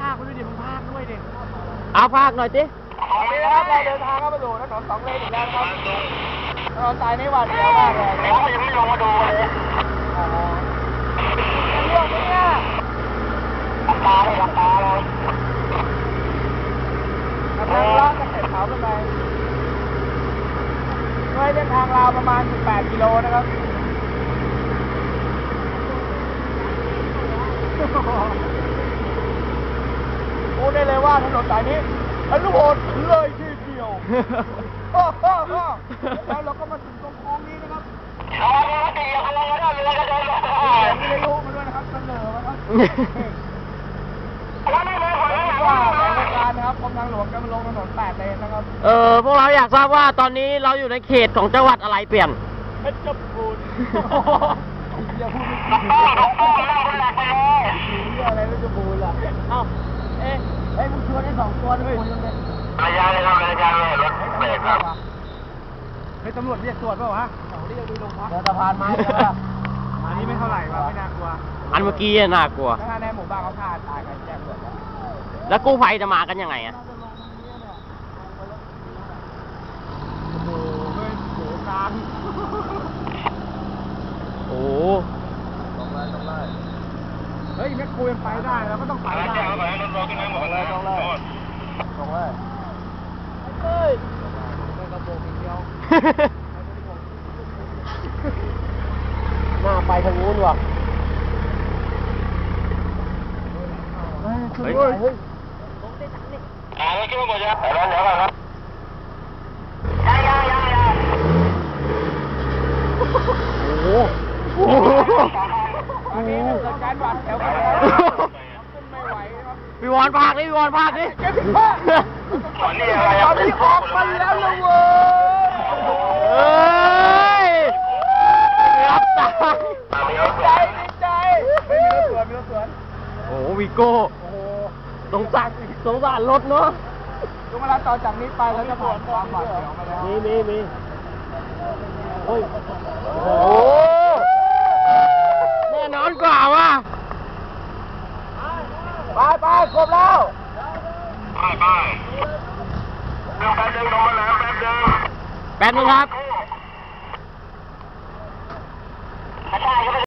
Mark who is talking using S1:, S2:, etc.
S1: ากไปด้วยดิมึงพากด้วยดิ
S2: เอาพากหน่อยสิ
S1: ตอนนี้นะครับเราเดินทางเข้ามาสู่ถนน2 เลนอีกแล้วครับถนนสายนี้หวาดเสียวมากเลยเขายังไม่ลงมาดูเลยเรื่องนี้เนี่ยหลับตาเลยทางเลาะจากเสร็จเขาขึ้นไปด้วยเส้นทางราวประมาณ18 กิโลนะครับพูดได้เลยว่าถนนสายนี้อนุโมทเลยทีเดียวแล้วเราก็มาถึงตรงโค้งนี้นะครับไม่ได้รู้มาด้วยนะครับเสนอมาครับว่าแผนการนะครับกรมทางหลวงจะมาลงถนน8 เลนนะครับ
S2: พวกเราอยากทราบว่าตอนนี้เราอยู่ในเขตของจังหวัดอะไรเปลี่ยน
S1: เพชรบูรณ์อย่าพูดไม่อะไรเพชรบูรณ์ล่ะเอ้ามึงชวนได้2 ตัวด้วย
S3: ระยะเลยครับระยะเลยรถเบรกครับ
S1: ตำรวจเรียกตรวจเปล่าวะเรียกดูโรงพักเดินสะพานไม้เลยอันนี้ไม่เท่าไหร่ว่ะไม่น่ากลัว
S2: อันเมื่อกี้น่ากลัว
S1: ถ้าในหมู่บ้านเขาฆ่าตายกันแจ้งตำรวจ
S2: แล้วกู้ภัยจะมากันยังไงอ่ะ
S1: โอ้โหเฮ้ยโหกลาง
S2: โอ้
S1: ต้องไล่เฮ้ยแม่คุยไปได้แล้วก็ต้องไปได้ต้องเลยเฮ้ยไม่กระโปรงอีกเดียว
S2: หน้าไปทางนู้นว่ะ
S1: เฮ้ย
S3: ไม่คิดว่าหมดแล้วเดี๋ยวก่อนครับ
S2: โอ้โห
S1: อันนี้เกิดการบาดแผลกันแล้วขึ้นไม่ไหวครับ
S2: พี่วอนพากดิ
S1: เก็บผ้าตอนนี้ออกมาแล้วนะเว้
S2: ยรับตาย
S1: ดีใจไม่มีรถสวน
S2: โอ้วีโก้สงสารรถเนาะ
S1: ทุกเวลาต่อจากนี้ไปแล้วจะผ่านความบาดเจ็บมาแล้ว
S2: มีโอ้ยโอ้แน่นอนกว่าว่ะ
S1: ไปครบแล้ว
S3: ไปเดี๋ยวแป๊บนึงลงมาแล้ว
S2: แป๊บนึงครับ